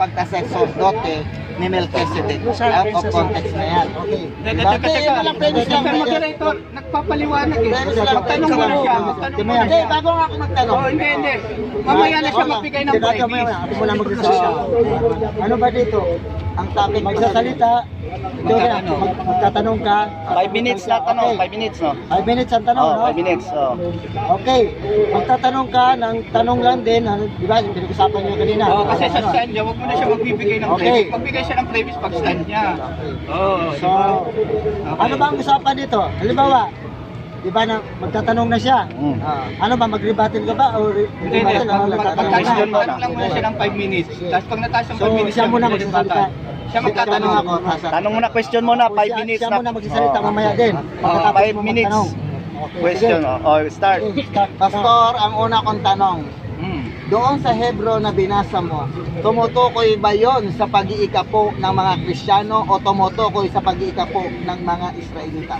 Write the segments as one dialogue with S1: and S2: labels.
S1: pagkasacerdote ni Melchizedek. Out of context na yan. Okay. Dati, yun na lang premise lang.
S2: Moderator, nagpapaliwanag eh. Magtanong mo na siya.
S1: Hindi, bago nga ako magtanong.
S2: Hindi. Mamaya na siya magbigay ng premise.
S3: Ako muna magsasalita. Ano ba dito?
S1: Ang topic
S3: Magsasalita. Ito na, magtatanong ka.
S4: 5 minutes na tanong, 5 minutes, no?
S3: 5 minutes ang tanong, no?
S4: 5 minutes,
S3: Okay. Magtatanong ka ng tanong lang din. Di ba? Pinag-usapan niyo kanina.
S2: Kasi sa stand niya, huwag mo na siya magbibigay ng premise. Magbigay siya ng premise pag stand niya.
S3: So, ano ba ang usapan dito? Halimbawa, di ba na magtatanong na siya? Ano ba, mag-rebuttal ka ba? O
S2: Hindi. Magtatanong lang muna siya ng 5 minutes. Tapos pag nataas ng 5 minutes,
S3: siya muna magsasalita.
S2: Siya magtatanong ako.
S4: Tanong muna, question muna, 5 minutes
S3: Siya muna magsasalita mamaya din.
S4: 5 minutes. Question, start.
S1: Pastor, ang una kong tanong. Doon sa Hebro na binasa mo, tumutukoy ba yon sa pag-iikapo ng mga Kristiyano o tumutukoy sa pag-iikapo ng mga Israelita?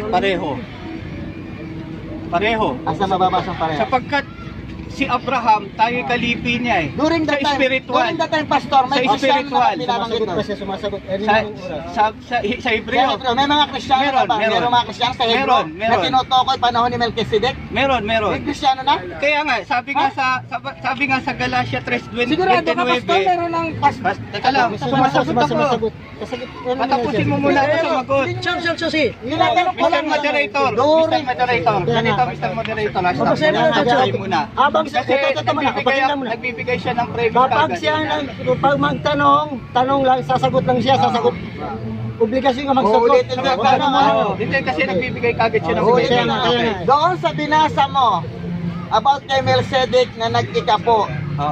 S2: Pareho.
S1: Asa mababasa pareho?
S2: Sapagkat si Abraham, tayo kalipi niya eh.
S1: During the time, Pastor, may
S2: Sa
S1: Kristiyano
S2: spiritual.
S1: na binabanggit
S3: Sumasagot
S1: doon.
S3: pa siya, sumasagot.
S2: Sa Hebreo.
S1: May mga Kristiyano na ba? Meron mga Kristiyano sa Hebro na
S2: Meron.
S1: tinutukoy panahon ni Melchizedek?
S2: Meron.
S1: May Kristiyano na?
S2: Kaya nga, sabi nga sa Galatia 3:29.
S1: Sigurado ka, Pastor, meron ng
S2: Teka lang, sumasagot ako. Patapusin mo muna ako sumagot.
S1: Tinatanong ko
S2: Mr.
S1: lang.
S2: Moderator,
S1: During-
S2: Mr. Moderator. Ganito, Mr. Moderator. Stop muna.
S3: Habang
S2: Kasi nagbibigay siya ng premise
S3: Kapag
S2: kagad.
S3: siya, pag magtanong, tanong lang, sasagot lang siya, sasagot. Obligasyon ka magsagot.
S1: Uulitin ka, tanong mo.
S2: Hindi kasi nagbibigay kagad siya ng
S1: Oo,
S2: premise.
S1: kaya nga, kaya nga. Doon sa binasa mo about kay Melchizedek na nag-ikapo,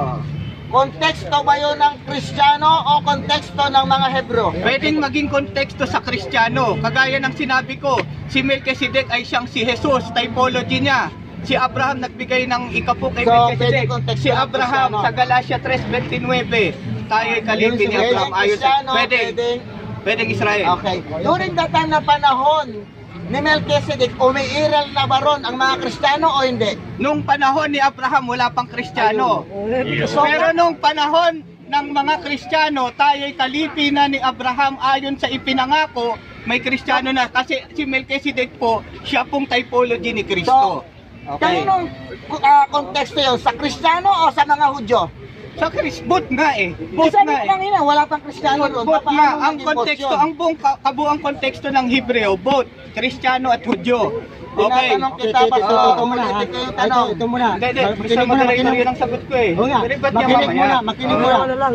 S1: konteksto ba yun ng Kristiyano o konteksto ng mga Hebro?
S2: Pwedeng maging konteksto sa Kristiyano. Kagaya ng sinabi ko, si Melchizedek ay siyang si Jesus, typology niya. Si Abraham nagbigay ng ikapo kay
S1: So,
S2: Melchizedek.
S1: pwedeng konteksto
S2: Si
S1: ng
S2: Abraham
S1: Kristiyano.
S2: sa Galatia 3:29, tayo ay kalipi ni Abraham. Ayon
S1: Kristiyano,
S2: pwedeng Israel.
S1: Okay. During that time na panahon ni Melchizedek, umiiral na ba ron ang mga Kristiyano o hindi?
S2: Nung panahon ni Abraham, wala pang Kristiyano. Pero nung panahon ng mga Kristiyano, tayo ay kalipi na ni Abraham ayon sa ipinangako, may Kristiyano na. Kasi si Melchizedek po, siya pong typology ni Kristo.
S1: Kaninong konteksto yun? Sa Kristiyano o sa mga Hudyo?
S2: Sa both nga eh. Both
S1: Isa
S2: nga eh.
S1: lang yun, wala pang Kristiyano doon.
S2: Both
S1: Paano
S2: nga, ang
S1: maging both
S2: konteksto,
S1: yun?
S2: ang buong kabuang konteksto ng Hebreo, both Kristiyano at Hudyo. Okay.
S1: Tinatanong kita,
S3: Okay,
S1: Pastor.
S3: ito muna, ha?
S1: Ulitin ko yung tanong.
S3: Ito muna.
S2: Hindi, Mr.
S3: Makinig muna,
S2: Moderator,
S3: makinig.
S2: yun ang sagot ko eh.
S3: Oo nga,
S2: Dilibat niya
S3: makinig
S2: mamaya.
S3: muna, makinig muna.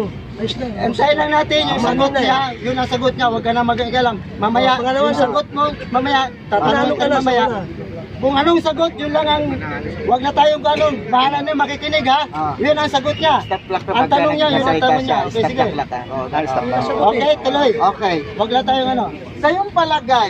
S3: Antayin lang natin yung sagot niya, yun ang sagot niya, huwag ka na mag-igalang. Mamaya, yung sagot mo, mamaya, tatanong ka mamaya. Kung anong sagot, yun lang ang, huwag na tayong ganun, bahala na makikinig ha, yun ang sagot niya. Ang tanong niya, yun ang tanong niya. Okay, sige. Okay, tuloy.
S1: Okay.
S3: Huwag na tayong ano.
S1: Sa iyong palagay,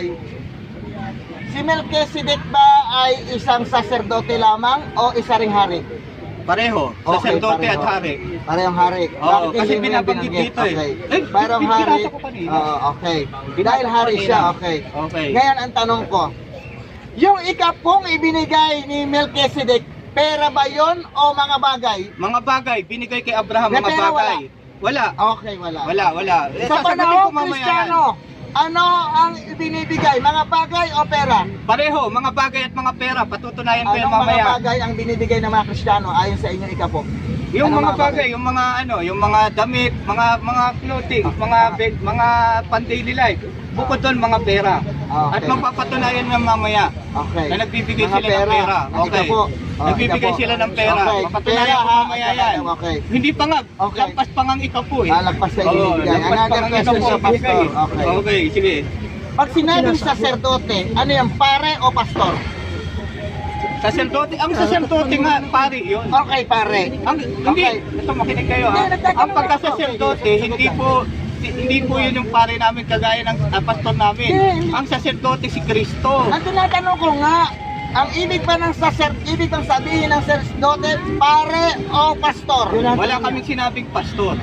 S1: si Melchizedek ba ay isang saserdote lamang o isa ring hari?
S2: Pareho,
S1: Okay,
S2: sacerdote
S1: pareho.
S2: at hari.
S1: Parehong hari.
S2: Oo,
S1: Bakit
S2: kasi
S1: hindi mo
S2: binabanggit
S1: binanggit?
S2: dito eh.
S1: Okay. Parehong hari.
S2: Binasa ko kanina.
S1: Oo, okay. Dahil hari siya, okay.
S2: Okay.
S1: Ngayon ang tanong ko, yung ikapong ibinigay ni Melchizedek, pera ba yon o mga bagay?
S2: Mga bagay, binigay kay Abraham
S1: May
S2: mga
S1: pera,
S2: bagay. Wala.
S1: Okay, wala.
S2: Wala.
S1: Sa panahong Kristiyano, ano ang ibinibigay? Mga bagay o pera?
S2: Pareho, mga bagay at mga pera. Patutunayan ko yan
S1: Anong mga
S2: mamaya.
S1: bagay ang binibigay ng mga Kristiyano ayon sa inyong ikapo?
S2: Yung
S1: Ano
S2: mga
S1: mga
S2: bagay, yung mga yung mga damit, mga clothing, mga pan-daily life. Bukod doon mga pera.
S1: Okay.
S2: At mapapatunayan ng mamaya
S1: Okay.
S2: na nagbibigay
S1: Mga
S2: sila ng pera.
S1: Ang
S2: Okay.
S1: ikapo.
S2: Nagbibigay
S1: ikapo.
S2: sila ng pera.
S1: Okay.
S2: Mapapatunayan ko
S1: ha?
S2: mamaya yan.
S1: Okay.
S2: Hindi pa nga,
S1: Okay.
S2: lampas pa ngang ikapo eh.
S1: Lagpas sa
S2: Oo,
S1: ibinibigay.
S2: lampas pa
S1: Another
S2: ngang
S1: question
S2: ikapo
S1: sa pastor.
S2: bigay.
S1: Okay.
S2: Okay, sige.
S1: Pag sinabing saserdote, ano yan? Pare o pastor?
S2: Saserdote, ang saserdote nga pare yun.
S1: Okay, pare.
S2: Hindi,
S1: Okay.
S2: ito makinig kayo ha.
S1: Hindi, nagtatanong
S2: Ang pagkasaserdote,
S1: ako.
S2: hindi po yun yung pare namin kagaya ng pastor namin.
S1: Hindi.
S2: Ang saserdote si Kristo.
S1: Ang tinatanong ko nga, ang ibig ba ng ibig bang sabihin ng saserdote, pare o pastor?
S2: Wala kaming sinabing pastor.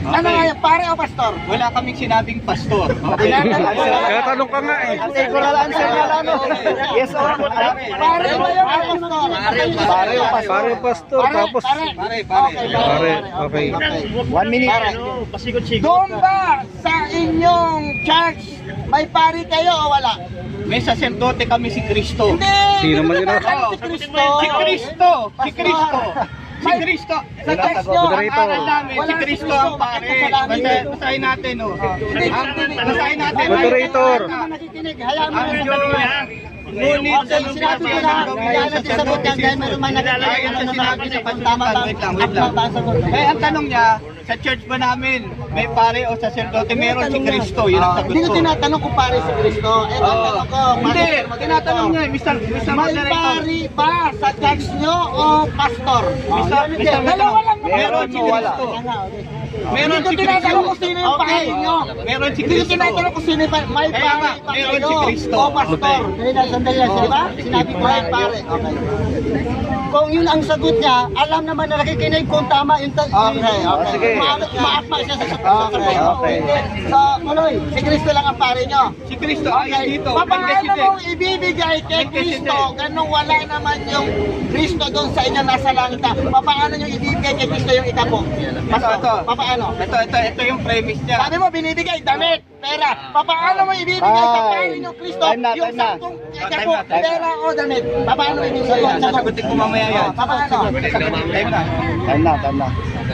S1: Ano nga yan, pare o pastor?
S2: Wala kaming sinabing pastor.
S1: Kaya
S5: tanong ka nga eh.
S4: Natural answer na lang, no? Yes or no?
S1: Pare ba yun o pastor?
S4: Pare o pastor?
S5: Pare pastor, tapos pare. Okay.
S4: 1 minute.
S1: Pare. Doon ba sa inyong church may pari kayo o wala?
S2: May saserdote kami si Kristo.
S1: Hindi!
S5: Sino man yun?
S1: Ano si Kristo?
S2: Si Kristo! Si Kristo! Si Kristo! Sa church nyo, ang
S5: Moderator.
S2: aral namin, si Kristo ang pare. Basahin natin, no? Basahin natin.
S5: Moderator.
S3: Nakikinig, hayaan mo
S2: Ang
S3: na.
S2: ngunit
S3: Okay, sinabi ko na, kailangan natin sagot yan dahil meron man nakikinig.
S2: Ayon sa sinabi sa
S3: Tama ba?
S2: wait lang.
S3: Tama ba ang sagot?
S2: Eh, ang tanong niya, sa church ba namin, may pare o saserdote? Meron si Kristo, yun ang sagot
S1: Hindi ko
S2: ko.
S1: tinatanong kung pare si Kristo. Ito ang tanong ko.
S2: Hindi, tinatanong niya, Mr.
S1: May
S2: Moderator.
S1: pari ba sa church nyo o pastor?
S2: Mr.
S1: Dalawa lang naman.
S2: Meron si Kristo. Meron
S1: Hindi
S2: si
S1: ko tinatanong kung
S2: Kristo.
S1: sino yung pare nyo.
S2: Meron si
S1: Hindi ko
S2: Kristo.
S1: tinatanong kung sino yung pare. May
S2: Kaya
S1: pare
S2: nga,
S1: ba
S2: meron
S1: kayo
S2: si Kristo.
S1: o pastor?
S3: Sandali lang, di ba? Sinabi ko
S1: May
S3: na.
S1: pare. Okay.
S3: Kung yun ang sagot niya, alam naman na nakikinig kung tama yung
S1: Okay, okay.
S4: Sige.
S3: Maakma siya sa sagot.
S1: Okay. So, Muloy, si Kristo lang ang pare nyo.
S2: Si Kristo ay dito.
S1: Paano
S2: Melchizedek.
S1: mong ibibigay kay Kristo ganung wala naman yung Kristo doon sa inyo nasa langit na? Paano nyo ibibigay kay Kristo yung ikapo?
S2: Ito.
S1: Paano?
S2: Ito yung premise niya.
S1: Sabi mo binibigay damit, pera. Paano mo ibibigay sa pare nyo Kristo
S4: Time na,
S1: yung
S4: time na.
S1: sampung ikapo, pera o damit? Paano mo ibibigay?
S2: Sasagutin ko mamaya yan.
S1: Paano?
S2: Time na.
S4: Time na.